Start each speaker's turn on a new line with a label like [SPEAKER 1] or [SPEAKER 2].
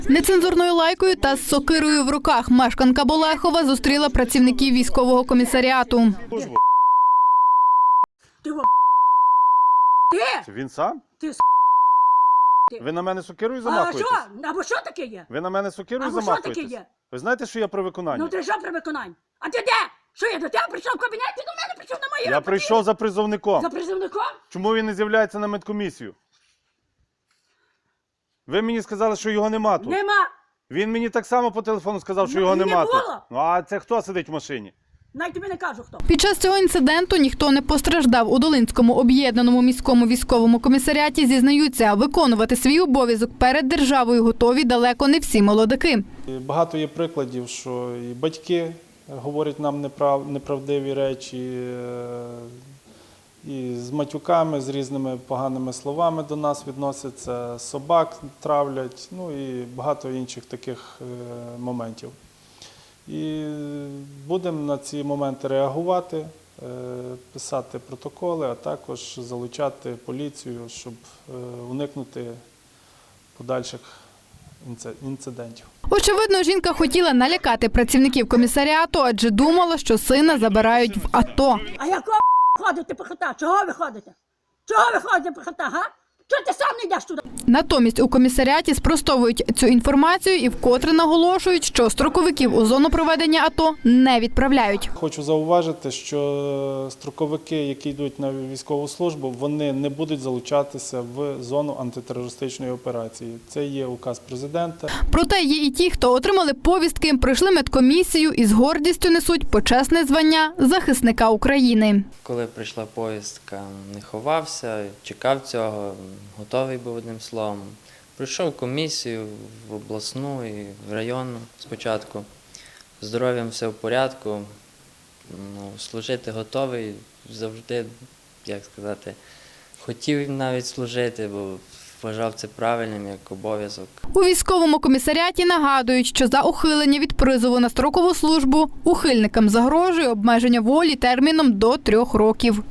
[SPEAKER 1] Нецензурною лайкою та з сокирою в руках мешканка Болехова зустріла працівників військового комісаріату.
[SPEAKER 2] Ти? Він сам?
[SPEAKER 3] Ти
[SPEAKER 2] Ви на мене сокирою
[SPEAKER 3] А
[SPEAKER 2] замахуєтесь?
[SPEAKER 3] що? Або що таке є?
[SPEAKER 2] Ви на мене сокирою
[SPEAKER 3] Або що таке
[SPEAKER 2] замахуєтесь?
[SPEAKER 3] є?
[SPEAKER 2] Ви знаєте, що я при виконанні?
[SPEAKER 3] Ну ти що при виконанні? А ти де? Що я до тебе прийшов в кабінет? Ти до мене прийшов на мої
[SPEAKER 2] Я
[SPEAKER 3] роботи?
[SPEAKER 2] прийшов за призовником.
[SPEAKER 3] За призовником?
[SPEAKER 2] Чому він не з'являється на медкомісію? Ви мені сказали, що його нема тут.
[SPEAKER 3] Нема.
[SPEAKER 2] Він мені так само по телефону сказав, що
[SPEAKER 3] Ну,
[SPEAKER 2] його
[SPEAKER 3] і не
[SPEAKER 2] нема тут.
[SPEAKER 3] було.
[SPEAKER 2] Ну а це хто сидить в машині?
[SPEAKER 3] Навіть тобі не кажу хто.
[SPEAKER 1] Під час цього інциденту ніхто не постраждав. У Долинському об'єднаному міському військовому комісаріаті зізнаються, виконувати свій обов'язок перед державою готові далеко не всі молодики.
[SPEAKER 4] Багато є прикладів, що і батьки говорять нам неправдиві речі, і з матюками, з різними поганими словами до нас відносяться, собак травлять, ну і багато інших таких моментів. І будемо на ці моменти реагувати, писати протоколи, а також залучати поліцію, щоб уникнути подальших інцидентів.
[SPEAKER 1] Очевидно, жінка хотіла налякати працівників комісаріату, адже думала, що сина забирають в АТО.
[SPEAKER 3] А якого ходите по хата? Чого ви ходите? Чого ви ходите по хата, га? Чого ти сам не йдеш туди?
[SPEAKER 1] Натомість у комісаріаті спростовують цю інформацію і вкотре наголошують, що строковиків у зону проведення АТО не відправляють.
[SPEAKER 4] Хочу зауважити, що строковики, які йдуть на військову службу, вони не будуть залучатися в зону антитерористичної операції. Це є указ президента.
[SPEAKER 1] Проте є і ті, хто отримали повістки, пройшли медкомісію і з гордістю несуть почесне звання захисника України.
[SPEAKER 5] Коли прийшла повістка, не ховався, чекав цього, готовий був одним словом. Пройшов комісію в обласну і в районну спочатку. З здоров'ям все в порядку, служити готовий, завжди, як сказати, хотів навіть служити, бо вважав це правильним як обов'язок.
[SPEAKER 1] У військовому комісаріаті нагадують, що за ухилення від призову на строкову службу ухильникам загрожує обмеження волі терміном до 3 років.